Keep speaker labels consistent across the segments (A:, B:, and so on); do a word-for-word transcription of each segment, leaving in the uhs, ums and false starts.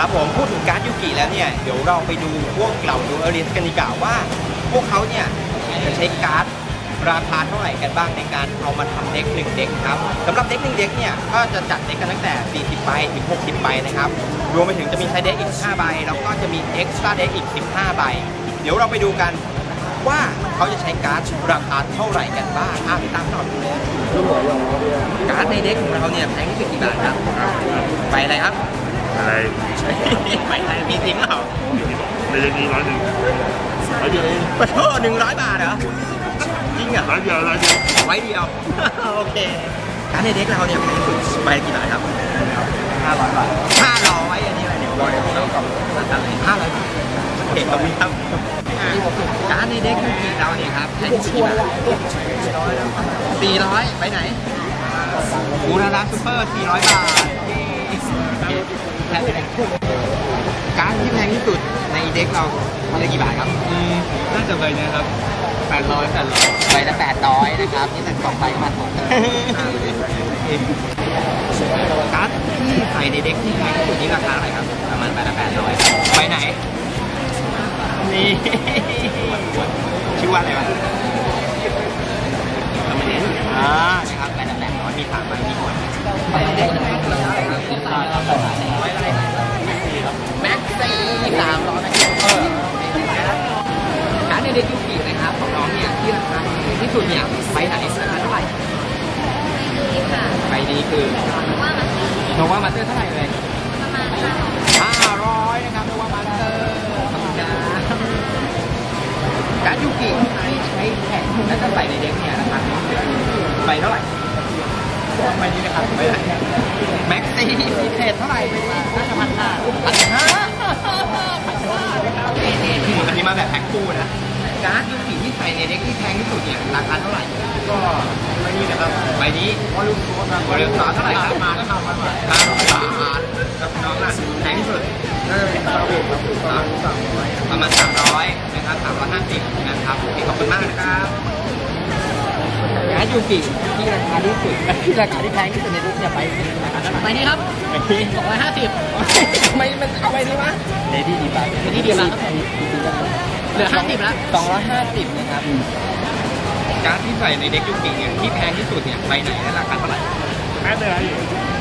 A: ครับผมพูดถึงการ์ดยูกิแล้วเนี่ยเดี๋ยวเราไปดูพวกเหล่าดูเอลิสกันดีกว่าว่าพวกเขาเนี่ยจะใช้การ์ดราคาเท่าไหร่กันบ้างในการเอามาทำเด็กหนึ่งเด็กครับสำหรับเด็กหนึ่งเด็กเนี่ยก็จะจัดเด็กกันตั้งแต่สี่สิบใบถึงหกสิบใบนะครับรวมไปถึงจะมีไซด์เด็กอีกห้าใบแล้วก็จะมีเอ็กซ์ตร้าเด็กอีกสิบห้าใบเดี๋ยวเราไปดูกันว่าเขาจะใช้การ์ดราคาเท่าไหร่กันบ้างอ่ะตามต่อดูเลยการ์ดในเด็กของเราเนี่ยแพงที่สุดกี่บาทครับใบอะไรครับ
B: อะไร
A: ใบอะไรมีจริงเหรอ
B: ไม่ได้นี้ร้อยหนึ่งร้อยเดียวเอง
A: ปะโถหนึ่งร้อยบาทเหรอจริงเหรอ
B: ร้อยเดียวร้อยเดียว
A: ร้อยเดียวโอเคการ์ดในเด็กเราเนี่ยแพงที่สุดใบกี่บาทครับห้าร้อยบาทห้าร้อยอันนี้อะไรเนี่ยร้อยแล้วกับห้าร้อยบาทโอเคขอบคุณครับการ์ดในเด็กยูกิเราเนี่ยครับแพงที่สุดกี่บาทสี่ร้อยไปไหนบูราดาซูเปอร์สี่ร้อยบาทแพงเลยการ์ดที่แพงที่สุดในเด็กเรามันจะกี่บาทครับ
B: อืมน่าจะใบนี้ครับแปดร้อยแปดร้อย
A: ใบละแปดร้อยนะครับนี่เป็นสองใบมาสองการ์ดที่ใส่ในเด็กที่แพงที่สุดนี่ราคาเท่าไหร่ครับประมาณใบละแปดร้อยใบไหนนี่ชื่อว่าอะไรวะทำไมเนี่ยอ่านะครับใบละแปดร้อยมีสามใบมีหมดใบเด็กแม็กซี่สามร้อยแม็กซี่เออการ์ดในเด็กยูกินะครับของน้องเนี่ยที่ราคาที่สุดเนี่ยใบไหนราคาเท่าไหร่ใบนี้คือโนวามาสเตอร์เท่าไหร่เลยห้าร้อยนะครับโนวามาสเตอร์ขอบคุณนะการ์ดยูกิใช้แผ่นและถ้าใส่ในเด็กเนี่ยราคาใบเท่าไหร่ใบนี้นะครับใบไหนแม็กซี่พิเศษเท่าไหร่น่าจะพันห้าพันห้าอันนี้มาแบบแพ็คคู่นะการ์ดยูกิที่ใส่ในเด็กที่แพงที่สุดเนี่ยราคาเท่าไหร่ก็ใบนี้นะครับใบนี้วอลลุ่มโซ่ครับวอลลุ่มโซ่เท่าไหร่ครับมาแล้วครับมาห้าร้อยบาทกับน้องน่ะแพงที่สุดน่าจะเป็นซาบุครับประมาณสามร้อยประมาณสามร้อยนะครับสามร้อยห้าสิบนะครับโอเคขอบคุณมากนะครับการ์ดยูกิที่ราคาที่สุดที่ราคาที่แพงที่สุดในรูปเนี่ยไปราคาเท่าไหร่ใบนี้ครับสองร้อยห้าสิบทำไมมันเอาไปนี้วะเลดี้ดีบ้างเลดี้ดีบ้างครับเหลือห้าสิบแล้วสองร้อยห้าสิบนะครับการ์ดที่ใส่ในเด็กยูกิเนี่ยที่แพงที่สุดเนี่ยใบไหนและราคาเท่าไหร่
B: แม่เลยอยู่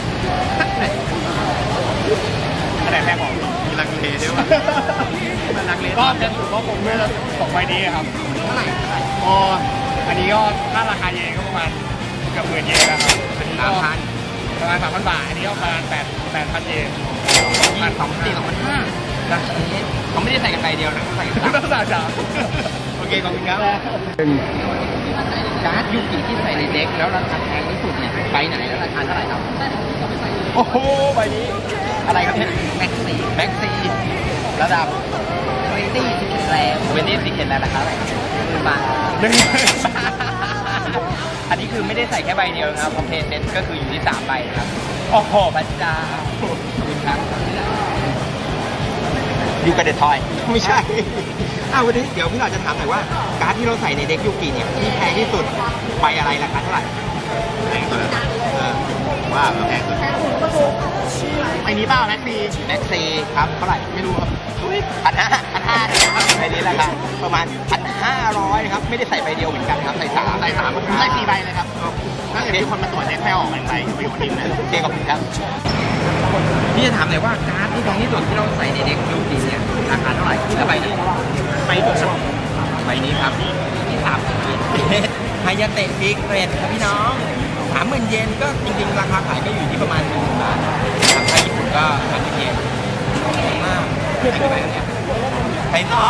B: อันไหนแพงกว่ามีลังเลด้วยวะ
A: มันลังเล
B: ก็จะถูกก็ผมด้วยสองใบนี้ครับ
A: เท่าไหร่
B: อ๋ออันนี้ก็ถ้าราคาเยนก็ประมาณเกือบหมื่นเยนแล้วครับอันนี้ก็ประมาณสามพันบาทอันนี้ก็ประมาณแปดแปดพันเยน
A: ประมาณสองสี่สองพันห้าเขาไม่ได้ใส่กันใบเดียวนะเขาใส่กันสาม
B: ต้องสามจ้า
A: โอเคขอบคุณครับการ์ดยูกิที่ใส่ในเด็กแล้วราคาแพงที่สุดเนี่ยใบไหนแล้วราคาเท่าไหร่ครับโอ้โหใบนี้อะไรครับเนี่ยแม็กซี่แม็กซี่ระดับเวนตี้สิบเอ็ดแรงเวนตี้สิบเอ็ดแรงราคาเท่าไหร่หนึ่งบาทหนึ่งอันนี้คือไม่ได้ใส่แค่ใบเดียวนะครับคอมเพลเซนก็คืออยู่ที่สามใบครับโอ้โหพระเจ้าขอบคุณครับยูกระเดทอยไม่ใช่อ้าววันนี้เดี๋ยวพี่เราจะถามหน่อยว่าการ์ดที่เราใส่ในเด็กยูกิเนี่ยที่แพงที่สุดใบอะไรราคาเท่าไหร่
B: แพงสุด
A: เออว่าแพงสุด
B: ไอ้นี้เปล่าแม็กซี
A: แม็กซีครับเท่าไหร่ไม่รู้ครับพันห้าพันห้านะครับใบนี้แหละครับประมาณพันห้าร้อยครับไม่ได้ใส่ใบเดียวเหมือนกันครับใส่สาม
B: ใส่สามใส่สี่ใบเลยครับถ้าเกิดมีคนมาตรวจเด็กแค่ออกหนึ่งใบไปอยู่บนดินนะ
A: โอเคขอบคุณครับพี่จะถามหน่อยว่าการ์ดที่แพงที่สุดที่เราใส่ในเด็กยูกิเนี่ยราคาเท่าไหร่ที่ละใบนี้
B: ใบสุด
A: ใบนี้ครับที่สามไฮยาเตะฟิกเรทครับพี่น้องสามหมื่นเยนก็จริงๆราคาขายก็อยู่ที่ประมาณหนึ่งหมื่นบาทครับถ้าญี่ปุ่นก็พันเยนมากใช่ไหมเนี่ยไทยต่อ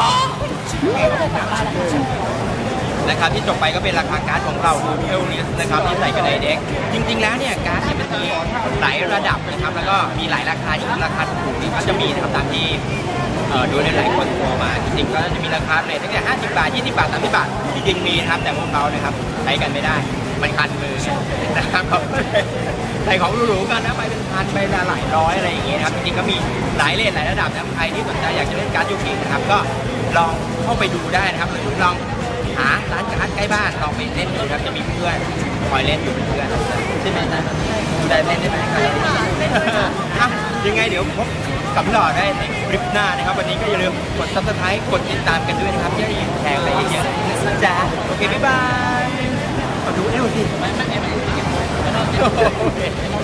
A: นะครับที่จบไปก็เป็นราคาการ์ดของเราดูเอลลิสนะครับที่ใส่กันในเด็กจริงๆแล้วเนี่ยการ์ดเนี่ยมันมีหลายระดับนะครับแล้วก็มีหลายราคาที่ราคาถูกนี่ก็จะมีนะครับตามที่ดูในหลายคนโทรมาจริงๆก็จะมีราคาเรทตั้งแต่ห้าสิบบาทยี่สิบบาทสามสิบบาทจริงๆมีนะครับแต่พวกเขานะครับใช้กันไม่ได้มันคันมือนะครับใส่ของหรูๆกันนะไปเป็นพันไปหลายร้อยอะไรอย่างเงี้ยนะครับจริงๆก็มีหลายเลทหลายระดับนะใครที่สนใจอยากจะเล่นการ์ดยูกินะครับก็ลองเข้าไปดูได้นะครับหรือลองหาร้านการ์ดใกล้บ้านลองไปเล่นดูครับจะมีเพื่อนคอยเล่นอยู่เป็นเพื่อนใช่ไหมนะได้เล่นได้ไหมครับยังไงเดี๋ยวพบกับพี่หล่อได้ในคลิปหน้านะครับวันนี้ก็อย่าลืมกด ซับสไครบ์ กดติดตามกันด้วยนะครับจะได้แชร์อะไรเยอะๆนะจ๊ะโอเคบ๊ายบายขอดูเอวสิ